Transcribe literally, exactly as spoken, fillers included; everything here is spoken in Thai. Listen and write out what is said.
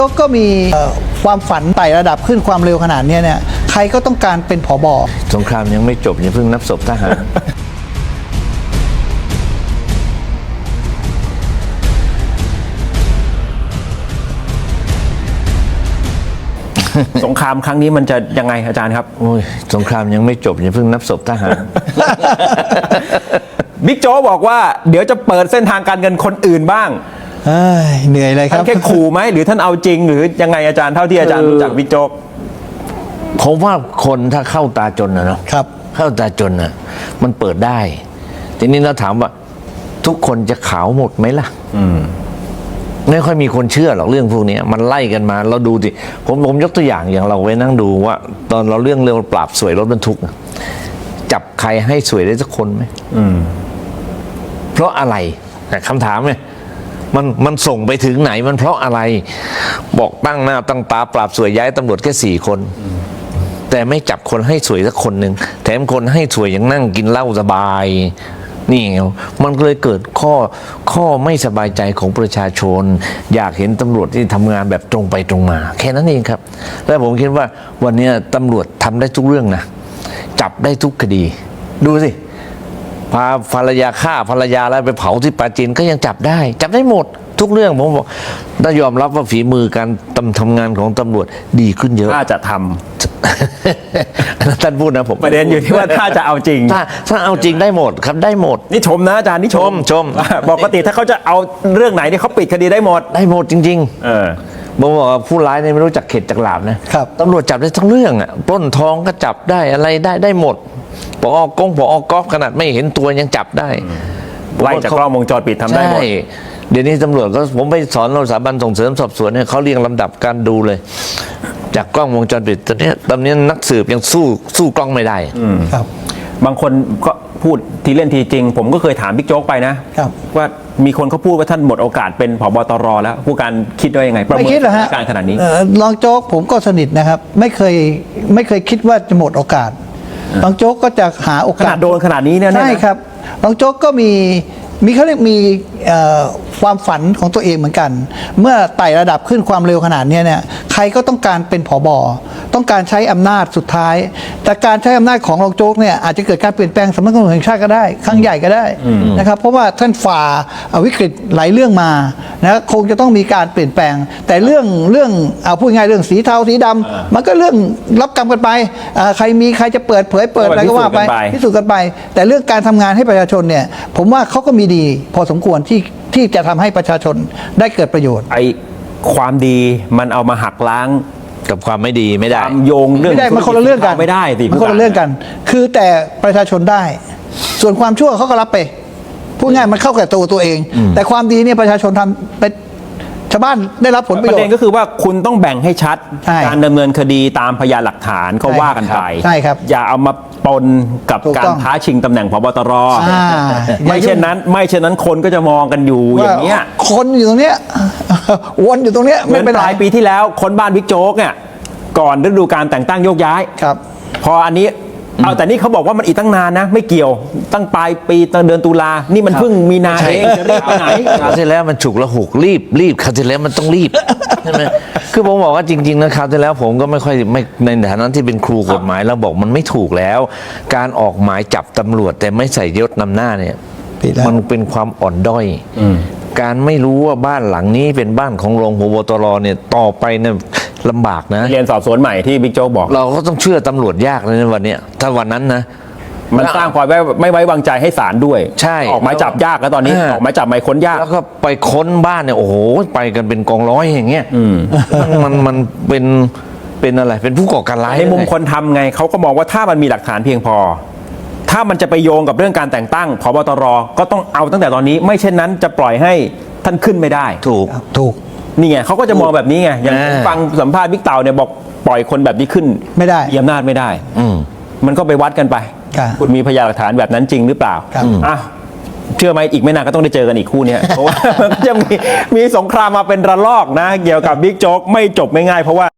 ก็มีความฝันไต่ระดับขึ้นความเร็วขนาดนี้เนี่ยใครก็ต้องการเป็นผบ. สงครามยังไม่จบอย่าเพิ่งนับศพทหารสงครามครั้งนี้มันจะยังไงอาจารย์ครับโอ้ยสงครามยังไม่จบอย่าเพิ่งนับศพทหารบิ๊กโจ๊กบอกว่าเดี๋ยวจะเปิดเส้นทางการเงินคนอื่นบ้างเอ้ยเหนื่อยเลยคท่ารับนแค่ขู่ไหมหรือท่านเอาจริง หรือยังไงอาจารย์เท่าที่อาจารย์รู้จักบิ๊กโจ๊กผมว่าคนถ้าเข้าตาจนนะเนาะครับเข้าตาจนน่ะมันเปิดได้ ทีนี้เราถามว่าทุกคนจะขาวหมดไหมล่ะไม่ค่อยมีคนเชื่อหรอกเรื่องพวกนี้มันไล่กันมาเราดูสิผมผมยกตัวอย่างอย่างเราไปนั่งดูว่า ตอนเราเรื่องเรื่องปราบสวยรถบรรทุกจับใครให้สวยได้สักคนไหมเพราะอะไรคำถามเนี่ยมันมันส่งไปถึงไหนมันเพราะอะไร บอกตั้งหน้าตั้งตาปราบสวยย้ายตำรวจแค่สี่คนแต่ไม่จับคนให้สวยสักคนหนึ่งแถมคนให้สวยยังนั่งกินเหล้าสบายนี่ไงมันก็เลยเกิดข้อข้อไม่สบายใจของประชาชนอยากเห็นตำรวจที่ทำงานแบบตรงไปตรงมาแค่นั้นเองครับและผมคิดว่าวันนี้ตำรวจทำได้ทุกเรื่องนะจับได้ทุกคดีดูสิพาภรรยาฆ่าภรรยาแล้วไปเผาที่ปราจีนก็ยังจับได้จับได้หมดทุกเรื่องผมบอกถ้ายอมรับว่าฝีมือการทำทำงานของตำรวจดีขึ้นเยอะถ้าจะทำท่านพูดนะผมประเด็นอยู่ที่ว่าถ้าจะเอาจริงถ้าถ้าเอาจริงได้หมดครับได้หมดนี่ชมนะอาจารย์นี่ชมชมปกติถ้าเขาจะเอาเรื่องไหนเนี่ยเขาปิดคดีได้หมดได้หมดจริงเออๆผมบอกว่าผู้ร้ายเนี่ยไม่รู้จักเข็ดจักหลาบนะครับ ตำรวจจับได้ทั้งเรื่องอ่ะปล้นทองก็จับได้อะไรได้ได้หมดปอกงปอกอฟขนาดไม่เห็นตัวยังจับได้ไล่จากกล้องวงจรปิดทำได้หมดใช่เดี๋ยวนี้ตำรวจก็ผมไปสอนเราสถาบันส่งเสริมสอบสวนเนี่ยเขาเรียงลำดับการดูเลย จากกล้องวงจรปิดตอนนี้ตอนนี้นักสืบยังสู้สู้กล้องไม่ได้ครับบางคนก็พูดทีเล่นทีจริง ผมก็เคยถามบิ๊กโจ๊กไปนะครับ ว่ามีคนเขาพูดว่าท่านหมดโอกาสเป็นผบตรแล้วผู้การคิดว่ายังไงประไม่เมินคิดเหรอสถาฮะนการณ์ขนาดนี้เอ่อรองโจ๊กผมก็สนิทนะครับ ไม่เคยไม่เคยคิดว่าจะหมดโอกาสรองโจ๊กก็จะหาโอขกานาสดโดนขนาดนี้เนี่ยนะใช่ครับรองโจ๊กก็มีมีเขาเรียกมีเอ่อความฝันของตัวเองเหมือนกัน เมื่อไต่ระดับขึ้นความเร็วขนาดนี้เนี่ยใครก็ต้องการเป็นผบ.ต้องการใช้อำนาจสุดท้าย แต่การใช้อำนาจของรองโจ๊กเนี่ยอาจจะเกิดการเปลี่ยนแปลงสำนักงานตำรวจแห่งชาติก็ได้ครั้งใหญ่ก็ได้นะครับเพราะว่าท่านฝ่าวิกฤตหลายเรื่องมานะคงจะต้องมีการเปลี่ยนแปลง แต่เรื่องเรื่องเอาพูดง่ายเรื่องสีเทาสีดำมันก็เรื่องรับกรรมกันไปอ่าใครมีใครจะเปิดเผยเปิดอะไรก็ว่าไปพิสูจน์กันไป แต่เรื่องการทำงานให้ประชาชนเนี่ยผมว่าเขาก็มีดีพอสมควรที่ที่จะทำให้ประชาชนได้เกิดประโยชน์ไอความดีมันเอามาหักล้างกับความไม่ดีไม่คได้วามโยงเรื่องไม่ได้มันคนละเรื่องกันไม่ได้สิมันคนละเรื่องกัน คือแต่ประชาชนได้ ส่วนความชั่วเขาก็รับไปพูดง่ายมันเข้ากับตัวตัวเอง แต่ความดีเนี่ยประชาชนทำเป็นชาวบ้านได้รับผลประประโยชเด็นน์ก็คือว่าคุณต้องแบ่งให้ชัดใช่การดำเนินคดีตามพยานหลักฐานก็ใช่ว่ากันไปใช่ครับอย่าเอามาปนกับถูกการต้องท้าชิงตำแหน่งพบตรอ่าไม่เช่นนั้น ไม่เช่นนั้นคนก็จะมองกันอยู่อย่างเงี้ยว่าคนอยู่ตรงเนี้ย วนอยู่ตรงเนี้ยเหมืไม่อนเป็นปไรลายปีที่แล้วคนบ้านบิ๊กโจ๊กเนี่ยก่อนฤดูการแต่งตั้งโยกย้ายครับพออันนี้เอาแต่นี่เขาบอกว่ามันอีกตั้งนานนะ ไม่เกี่ยวตั้งปลายปีตั้งเดือนตุลานี่มันเพิ่งมีนาเองจะรีบไปไหนคราวที่แล้วมันฉุกละหุกรีบรีบคราวที่แล้วมันต้องรีบใช่ไหมคือผมบอกว่าจริงๆนะคราวที่แล้วผมก็ไม่ค่อยไม่ในฐานะที่เป็นครูกฎหมายเราบอกมันไม่ถูกแล้ว การออกหมายจับตำรวจแต่ไม่ใส่ยศนำหน้าเนี่ยผิดแล้วมันเป็นความอ่อนด้อยการไม่รู้ว่าบ้านหลังนี้เป็นบ้านของรองพบตรเนี่ยต่อไปเนี่ยลำบากนะเรียนสอบสวนใหม่ที่บิ๊กโจ๊กบอกเราก็ต้องเชื่อตำรวจยากเลยในวันเนี้ยถ้าวันนั้นนะมันสร้างความไม่ไม่ไว้วางใจให้ศาลด้วยใช่ออกหมายจับยากแล้วตอนนี้อ่าออกหมายจับหมายค้นยากแล้วก็ไปค้นบ้านเนี่ยโอ้โหไปกันเป็นกองร้อยอย่างเงี้ยมันมันมันเป็นเป็นอะไรเป็นผู้ก่อการร้ายในมุมเลยคนทำไงเขาก็มองว่าถ้ามันมีหลักฐานเพียงพอ ถ้ามันจะไปโยงกับเรื่องการแต่งตั้งพบตรก็ต้องเอาตั้งแต่ตอนนี้ ไม่เช่นนั้นจะปล่อยให้ท่านขึ้นไม่ได้ถูกครับถูกนี่ไงเขาก็จะมองแบบนี้ไงอย่างอ่าผมฟังสัมภาษณ์บิ๊กเต่าเนี่ยบอกปล่อยคนแบบนี้ขึ้นไม่ได้มีอำนาจไม่ได้อืมมันก็ไปวัดกันไปครับคุณมีพยานหลักฐานแบบนั้นจริงหรือเปล่าครับอ่ะเชื่อไหมอีกไม่นานก็ต้องได้เจอกันอีกคู่เนี้ย เพราะว่ามันก็จะมีมีสงครามมาเป็นระลอกนะ เกี่ยวกับบิ๊กโจ๊กไม่จบไม่ง่ายเพราะว่า